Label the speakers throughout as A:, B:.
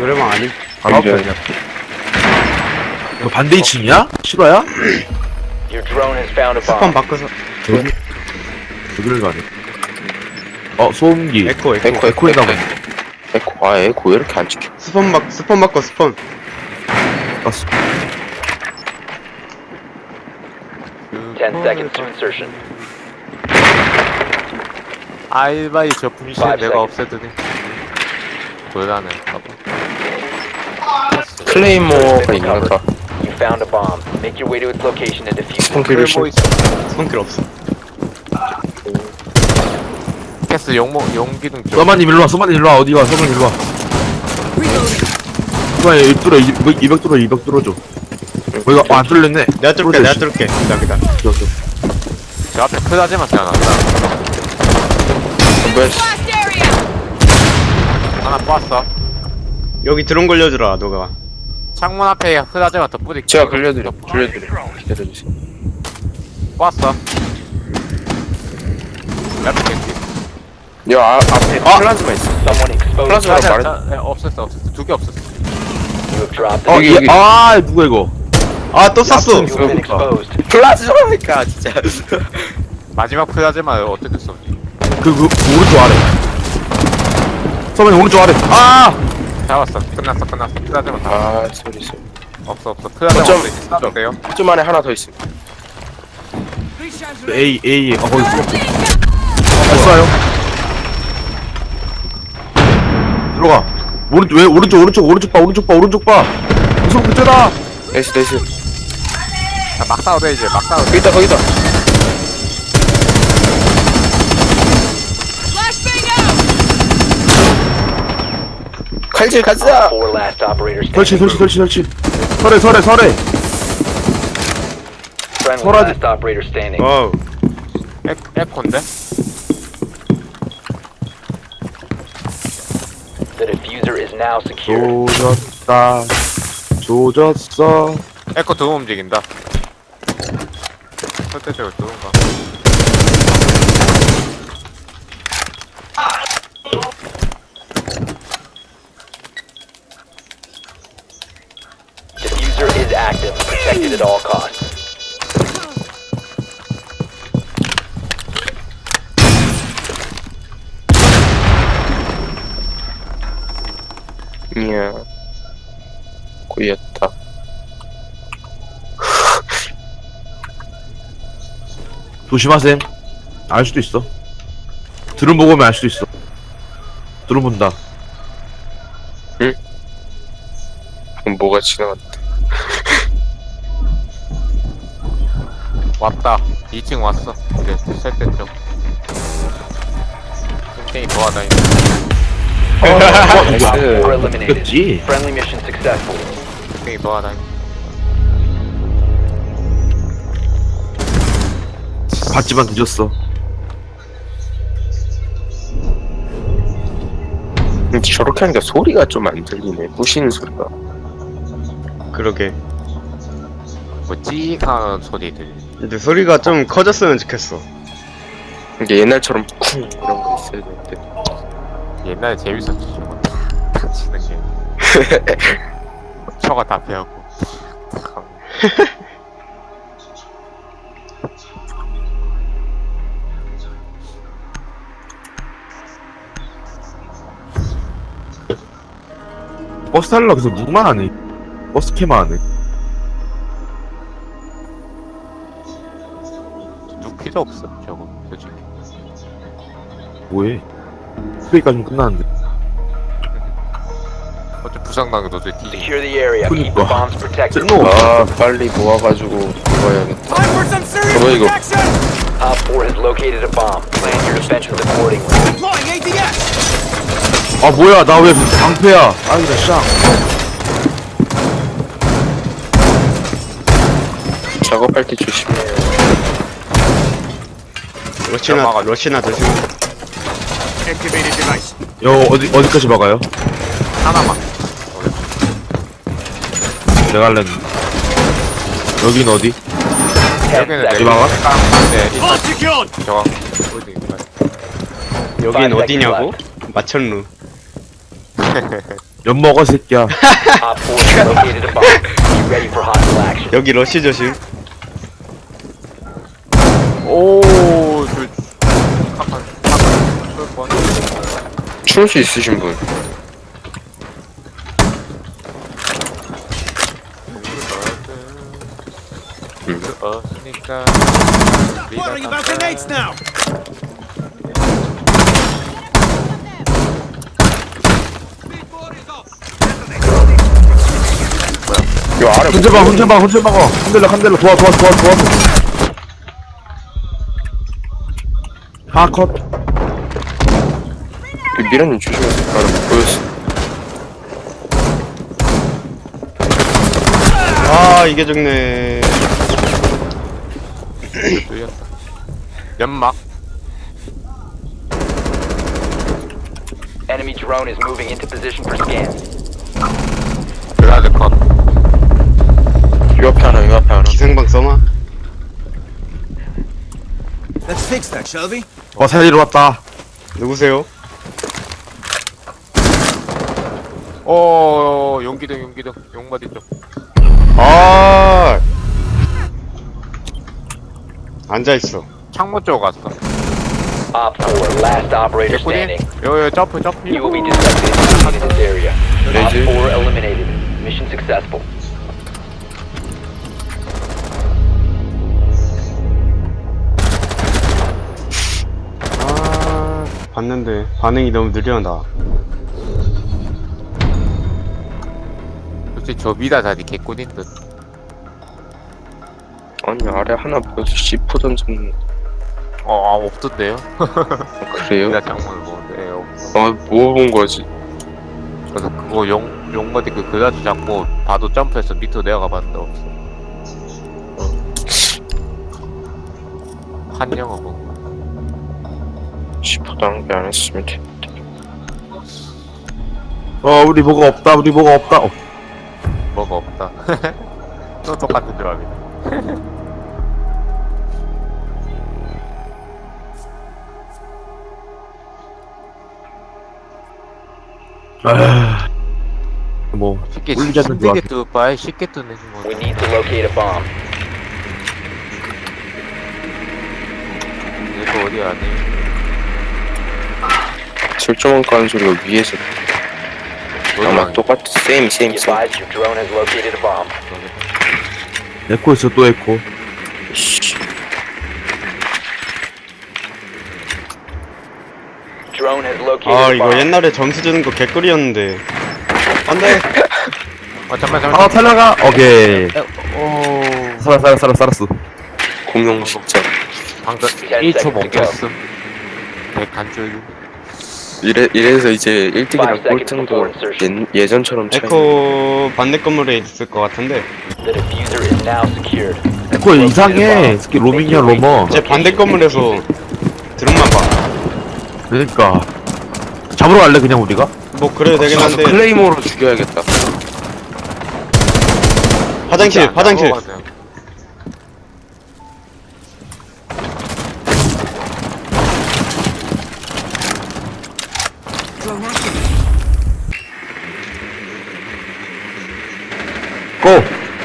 A: 노래방 아님?
B: 바로 앞에 그냥. 너 반대 2층이야? 실화야?
C: Your drone has found a
A: 스폰
C: bomb.
A: 바꿔서
B: 저기 여기를 가네. 소음기.
A: 에코
B: 에코에다 보네.
D: 에코. 아, 에코 왜 이렇게 안 찍혀?
A: 스폰 바꿔 스폰.
B: 깠어.
C: 10 seconds to insertion.
E: 알바이 저 분실
C: 5
E: 내가
C: seconds.
E: 없애더니 돌아네.
D: 클레이모어가 있나 보다.
C: You found a bomb. Make your way to its location and defuse it.
D: 스폰키를 심.
A: 스폰킬 없어.
E: 패스 용기둥 쪽.
B: 써마님 일로와, 써마님 일로와. 어디가? 써마님 일로와. 써마님 200 뚫어, 200 뚫어줘. 거기가 안 뚫렸네.
A: 내가 뚫을게. 기다.
B: 뚫었어.
E: 저 앞에 크다지만 태어났다.
D: 뭐야?
E: 하나 빻어.
A: 여기 드론 걸려주라 너가.
E: 창문 앞에 흐다지만 더 뿌리.
D: 제가 돌려드려. 기다려주세요.
E: 빻어. 옆에 캔디.
D: 야, 앞에 플라즈마 있어.
C: Someone exposed.
D: 플라즈마로 말해.
E: 없었어. 두 개 없었어.
C: You have dropped the
D: 여기.
B: 누가 이거?
A: 또 쐈어.
C: You have been exposed.
D: 플라즈마니까 진짜.
E: 마지막 흐다지만 어떻게 써?
B: 그 오른쪽 아래. 써마님 오른쪽 아래.
E: 잡았어. 끝났어. 흐다지만 다.
D: 아, 소리.
E: 없어. 흐다지만
D: 어쩜-
E: 없어. 쏴도 돼요?
D: 좀 안에 하나 더 있습니다.
B: A. 거기 쏴요. 들어가. 오른쪽 봐. 무슨 그때다.
D: 나이스.
E: 막 싸워도 돼 이제. 막 싸워도 돼.
D: 거기다. 칼질 가자.
C: 4 last operators standing.
B: 설치. 설에.
C: Friendly
B: 설하지.
C: last operator standing.
A: 와우.
E: 에코인데?
C: The diffuser is now secure.
B: 조졌어.
E: 에코 두 번 움직인다. 설대적으로 두 번가.
C: Diffuser is active. Protected at all costs.
D: 이야. 꼬였다.
B: 조심하셈. 알 수도 있어. 드론 보고 오면 알 수도 있어. 드론 본다.
D: 그럼 뭐가 지나갔다.
E: 왔다. 2층 왔어. 이제 설대 쪽. 땡땡이 도와다니는.
D: 나이스.
C: Four eliminated.
B: 이겼지.
C: Friendly mission successful.
E: 땡땡이 도와다니는.
B: 봤지만 늦었어.
D: 근데 저렇게 하니까 소리가 좀 안 들리네. 부시는 소리가.
A: 그러게.
E: 뭐 찌익하는 소리 들리.
A: 근데 소리가 좀 커졌으면 좋겠어.
D: 이게 옛날처럼 쿵 이런 거 있어야 되는데.
E: 옛날에 재밌었지. 저거 탁 치는 게. 초가 다 배웠고. 탁.
B: 버스 타려고 계속 묵만 하네. 버스 캐만 하네.
E: 누 필요 없어. 저거 솔직히.
B: 뭐해? 스페이까지는 끝났는데.
E: 어차피 부상당해도 어차피 뒤.
C: Secure the area. Keep the bombs protected.
B: 쟤는
D: 아, 빨리 모아가지고 들어가야겠다. 뭐야 이거?
C: Op 4 has located a bomb. Plan your defenses accordingly.
B: 뭐야, 나 왜 방패야? 아이다, 쌍.
D: 작업할 때 조심해.
A: 러시나 조심.
B: 어디까지 막아요?
E: 하나만.
B: 내가 할랬는데. 여긴 어디?
E: 여기는
C: 여기
E: 내가
B: 막아?
E: 네, 일단 저거 어디
A: 여긴 어디냐고? 마천루.
B: 엿 먹어 새끼야.
C: Op 4 has located a bomb. Be ready for hostile action.
A: 여기 러쉬 조심.
E: 오, 저 깜빡 뻔.
D: 추울 수 있으신 분.
E: 그러니까.
D: 요 아래
B: 혼자 막어. 한들러 도와. 하컷.
D: 그 미라님 조심하세요. 나는 못 보였어.
A: 아 이게 죽네.
E: 뚫렸다. 연막.
C: Enemy drone is moving into position for scan.
E: 그라드 컷.
D: 요 앞에 하나.
A: 기생방 써마.
F: Let's fix that, shall we?
B: 살리러 왔다.
A: 누구세요?
E: 용기등. 용마디 쪽.
A: 아 앉아 있어.
E: 창문 쪽 갔어.
C: Op 4, last operator
E: 개꿀이?
C: standing.
E: 요, 점프.
C: You will be detected in this area. Op
D: Laser.
C: 4 eliminated. Mission successful.
A: 아 봤는데 반응이 너무 느려 나.
E: 솔직히 저 미다 자리 개꿀인 듯.
D: 아니 아래 하나 보여서 C4 던졌는.
E: 없던데요?
D: 그래요?
E: 미다 창문을 보는데, 없어.
D: 뭐 본 거지?
E: 그래서 그거 용마디 그 그라드 잡고 봐도 점프해서 밑으로 내려가 봤는데 없어. 한 영어 뭐.
D: C4 낭비 안 했으면 돼.
B: 우리 뭐가 없다.
E: 뭐가 없다. 또 똑같은 조합이네.
B: 뭐
E: 쉽게
B: 울리지 않는 조합.
E: 힘들게 뚫을 바에 쉽게 뚫는 거.
C: We need to locate a bomb.
E: 이거 어디 아니?
D: 설정원 까는 소리가 위에서 아마 똑같아. 세임.
C: Be advised your drone has located a bomb.
B: 에코 있어 또 에코.
D: 씨.
C: Drone has located
A: 아
C: a
A: 이거
C: bomb.
A: 옛날에 점수 주는 거 개꿀이었는데. 안돼.
E: 잠깐만.
B: 탈라가. 오케이.
E: 오.
B: 살았어.
D: 공룡 진짜.
E: 방금
C: 10
E: 1초
C: seconds to
E: 멈췄음. 백간줄.
D: 이래서 이제 1등이랑
C: 5 seconds
D: 꼴등도
C: before insertion.
D: 예전처럼 차이.
A: 에코 반대 건물에 있을 것 같은데.
C: The diffuser is now secured.
B: 에코 이상해. 스키 로밍이야 로머.
A: 제 반대 건물에서 드론만 봐.
B: 그러니까 잡으러 갈래 그냥 우리가?
A: 뭐 그래도 되긴 한데.
D: 클레이모로 죽여야겠다.
A: 화장실.
B: 고!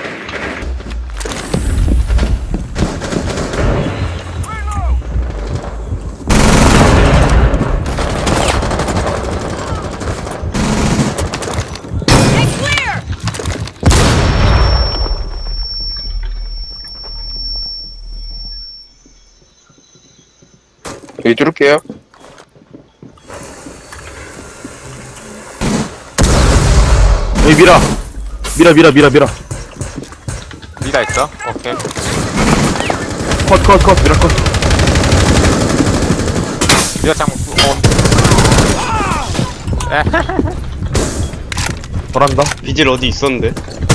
D: 여기 뚫을게요.
B: 여기 밀어
E: 미다 있어? 오케이.
B: 컷 밀어 컷.
E: 미다 창문
B: 돌아간다.
A: 비질 어디 있었는데?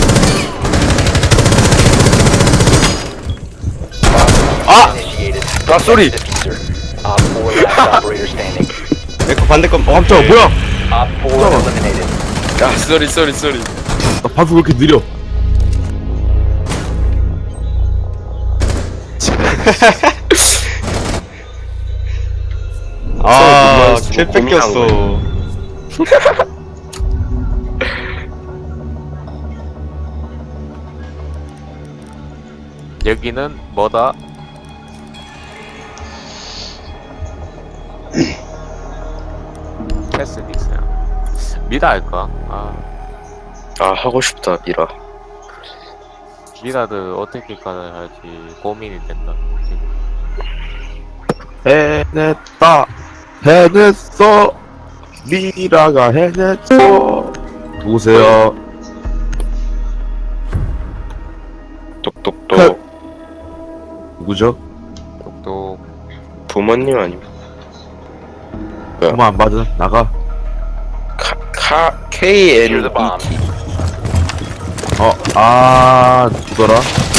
C: Initiated.
D: 쏘리.
C: Diffuser. Op 4 last operator standing.
A: 에코 반대 건물.
B: 깜짝아 뭐야?
C: Op 4 eliminated.
D: 야 쏘리.
B: 나 반수 왜 이렇게 느려?
A: 아,
D: 쏘리,
A: 킬 뺏겼어.
E: 여기는 뭐다? 캐슬리스야. 미라 할까?
D: 아 하고 싶다 미라.
E: 미라를 어떻게 가야 할지 고민이 된다. 지금.
B: 해냈다. 해냈어. 미라가 해냈어. 누구세요?
D: 똑똑똑.
B: 누구죠?
E: 또
D: 부모님 아니면
B: 엄마 안 받은 나가.
D: K
C: Secure
D: N
C: the bomb.
D: E T.
B: 누더라?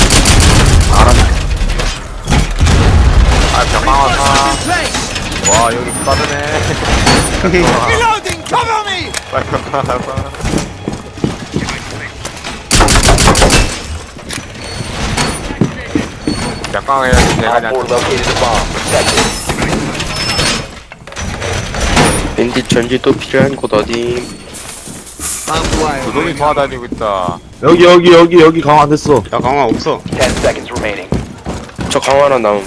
E: 병망하다.
F: Place!
E: 와 여기 빠르네.
F: Reloading! Cover me!
E: 빨리 병망하다. 약강해야지 내가
C: Op 4 located a bomb. Protect it.
D: 밴딧 전지도 필요한 곳 어디?
F: Barbed wire.
E: 두놈이 돌아다니고 있다.
B: 여기 강화 안 됐어.
A: 야 강화 없어.
C: 10 seconds remaining.
D: 저 강화나 나옴.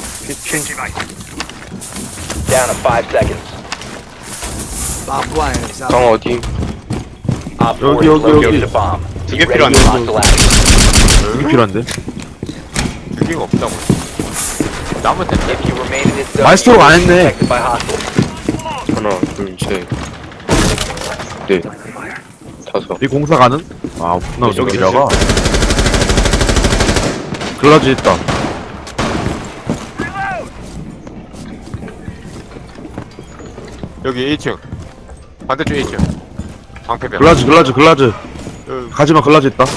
C: Down to 5 seconds.
F: Barbed wire is out.
D: 강화 어디?
C: Op 4
B: 여기,
C: has
B: 여기,
C: located
B: 여기.
C: a bomb.
A: 두
C: Be
A: 개
C: ready
A: 필요한데.
C: for hostile action.
B: 이게 필요한데?
E: 두 개가 없다고. 남은 텐데.
C: If you remain in this zone,
B: 마이스터로가 안
C: you will be
B: 했네.
C: detected by hostiles.
D: 하나, 둘, 셋, 넷, 다섯.
B: 이 공사 가는? 없구나.
A: 저기
B: 미라가. 글라지 있다.
E: 여기 1층. 반대쪽 1층. 방패병.
B: 글라즈. 가지마, 글라지 있다.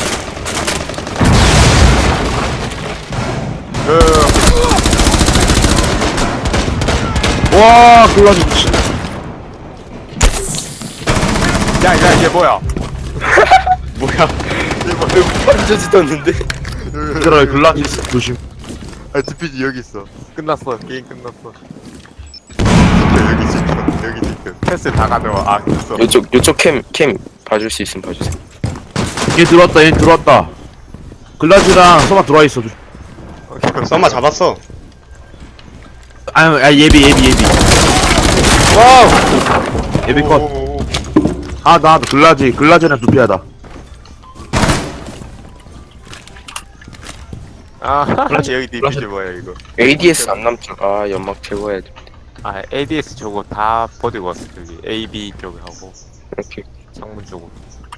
B: 와, 글라지 미친.
E: 야, 이게 뭐야?
A: 뭐야?
D: 완전히 떴는데?
B: 얘들아, 글라지 있어. 조심.
E: 아, DPG 여기 있어. 끝났어. 게임 끝났어. 여기 지켜. 여기 지켜. 패스 다 가져와. 됐어.
D: 요쪽 캠 봐줄 수 있으면 봐주세요.
B: 얘 들어왔다. 글라지랑 서마 들어와 있어.
A: 썸마 잡았어.
B: 예비. 와우! 예비 컷.
E: 오.
B: 나 글라지랑 두피하다.
E: 여기 DPG 뭐야, 이거.
D: ADS 안 남죠? 아 연막 제거해야 돼.
E: ADS 저거 다 버리고 왔어. 저기 AB 쪽에 하고.
D: 이렇게
E: 창문 쪽으로.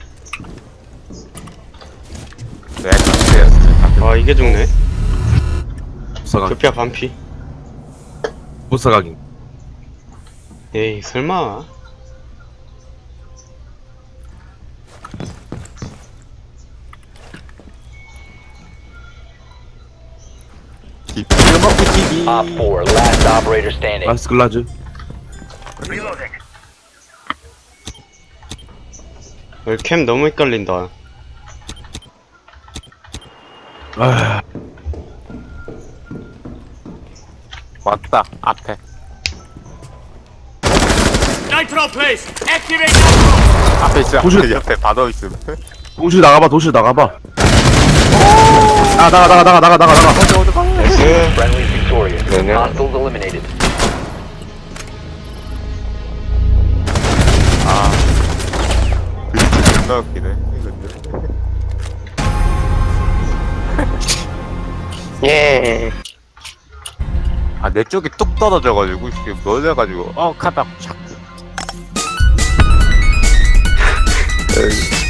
E: 네, 그랬어.
A: 아 이게 죽네.
B: 부사각.
A: 조피아 반피.
B: 부사각인.
A: 에이 설마.
C: Op 4, last operator standing.
B: 라스 글라즈.
A: 여기 캠 너무 헷갈린다.
E: 맞다. 앞에. 앞에 있어.
B: 도시-
E: 옆에 바로 있음.
B: 도시 나가봐. 나가.
A: 나이스.
C: Friendly victorious.
D: No, no.
C: Hostiles eliminated.
E: 존나 웃기네.
D: 예.
E: 내 쪽이 뚝 떨어져가지고 지금 놀래가지고 카닥 착.